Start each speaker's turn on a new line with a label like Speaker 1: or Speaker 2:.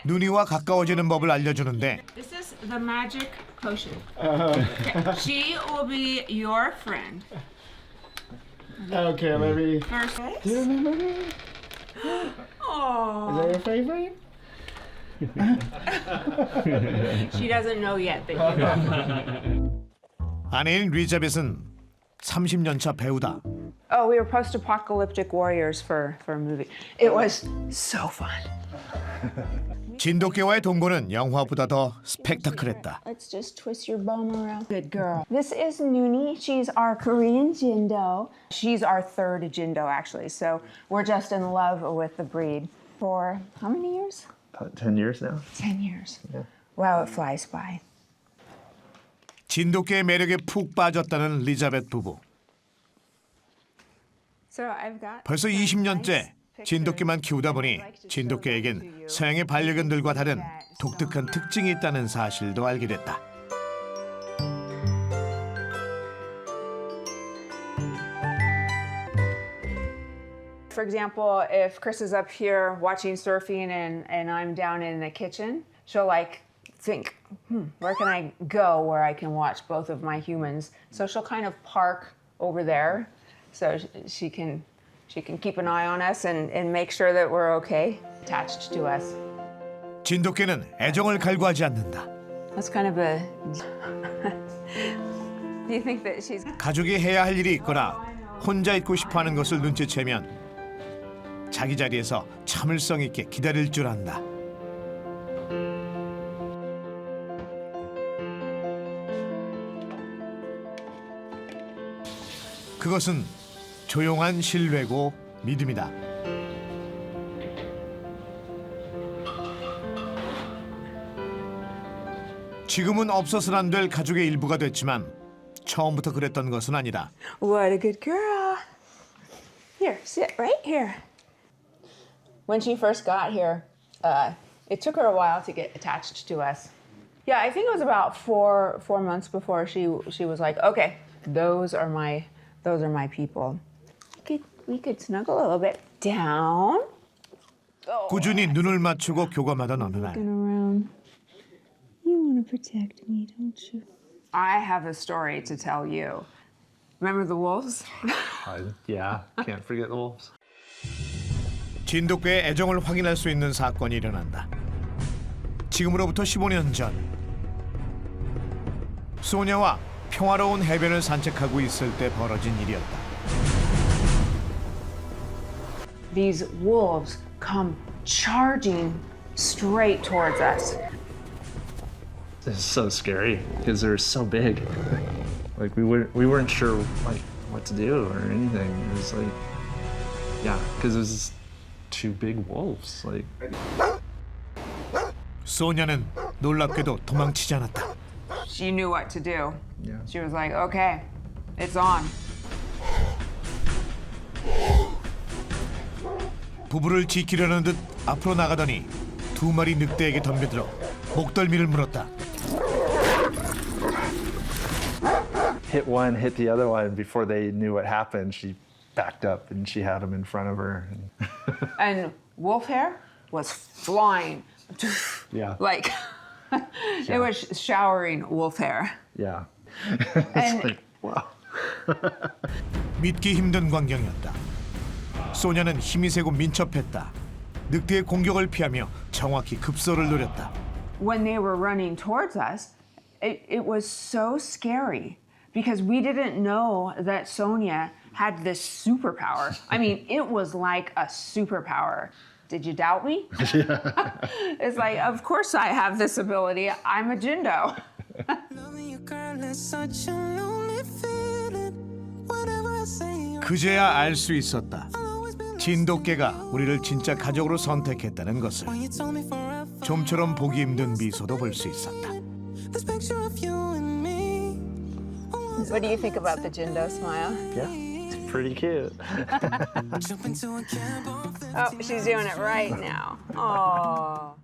Speaker 1: 누니와 가까워지는 법을 알려주는데
Speaker 2: This is the magic potion. Okay. She will be your friend.
Speaker 3: Okay, maybe.
Speaker 2: First.
Speaker 3: Do you remember me? Is
Speaker 2: Oh.
Speaker 3: that your favorite?
Speaker 2: She doesn't know yet that you love her.
Speaker 1: 아내인 리자벳은 30년 차 배우다.
Speaker 2: Oh, we were post-apocalyptic warriors for a movie. It was so fun.
Speaker 1: 진돗개와의 동거는 영화보다 더 스펙타클했다.
Speaker 4: Let's just twist your bum around. Good girl. This is Noonie. She's our Korean Jindo.
Speaker 2: She's our third Jindo, actually. So we're just in love with the breed.
Speaker 4: For how many years?
Speaker 3: About 10 years now.
Speaker 4: 10 years.
Speaker 3: Yeah.
Speaker 4: Wow, it flies by.
Speaker 1: 진돗개의 매력에 푹 빠졌다는 리자벳 부부.
Speaker 4: So I've got
Speaker 1: 벌써 20년째 진돗개만 키우다 보니 진돗개에겐 서양의 반려견들과 다른 독특한 특징이 있다는 사실도 알게 됐다.
Speaker 2: For example, if Chris is up here watching surfing and I'm down in the kitchen, she'll like think, where can I go where I can watch both of my humans? So she'll kind of park over there so she can keep an eye on us and make sure that we're okay, attached to us.
Speaker 1: 진돗개는 애정을 갈구하지 않는다.
Speaker 2: That's kind of a... Do you think that she's...
Speaker 1: 가족이 해야 할 일이 있거나 혼자 있고 싶어하는 것을 눈치채면 자기 자리에서 참을성 있게 기다릴 줄 안다. 그것은 조용한 신뢰고 믿음이다. 지금은 없어서는 안 될 가족의 일부가 됐지만 처음부터 그랬던 것은 아니다.
Speaker 2: What a good girl. Here, sit right here. When she first got here, it took her a while to get attached to us. Yeah, I think it was about four months before she was like, okay, those are my people. We could snuggle a little bit down.
Speaker 1: 꾸준히 눈을 맞추고 교감하던 어느 날
Speaker 4: around. You want to protect me, don't you?
Speaker 2: I have a story to tell you. Remember the wolves?
Speaker 3: Yeah, can't forget the wolves.
Speaker 1: 진돗개의 애정을 확인할 수 있는 사건이 일어난다. 지금으로부터 15년 전 소녀와 평화로운 해변을 산책하고 있을 때 벌어진 일이었다.
Speaker 2: These wolves come charging straight towards us.
Speaker 3: It's so scary because they're so big. Like we weren't sure like what to do or anything. It was like, yeah, because it was two big wolves. Like
Speaker 1: 소녀는 놀랍게도 도망치지 않았다.
Speaker 2: She knew what to do.
Speaker 3: Yeah.
Speaker 2: She was like, okay, it's on.
Speaker 1: 부부를 지키려는 듯 앞으로 나가더니 두 마리 늑대에게 덤벼들어 목덜미를 물었다.
Speaker 3: hit one, hit the other one before they knew what happened. She backed up and she had them in front of her.
Speaker 2: And wolf hair was flying.
Speaker 3: Yeah.
Speaker 2: Like, it was showering wolf hair.
Speaker 3: Yeah.
Speaker 2: And
Speaker 3: It's like, wow.
Speaker 1: 믿기 힘든 광경이었다. 소녀는 힘이 세고 민첩했다. 늑대의 공격을 피하며 정확히 급소를 노렸다.
Speaker 2: when they were running towards us, it was so scary because we didn't know that Sonia had this superpower. I mean, it was like a superpower. Did you doubt me? It's like, of course I have this ability. I'm a Jindo.
Speaker 1: 그제야 알 수 있었다. 진돗개가 우리를 진짜 가족으로 선택했다는 것을. 좀처럼 보기 힘든 미소도 볼 수 있었다.
Speaker 2: What do you think about the Jindo smile?
Speaker 3: Yeah. It's pretty cute.
Speaker 2: Oh, she's doing it right now. Oh.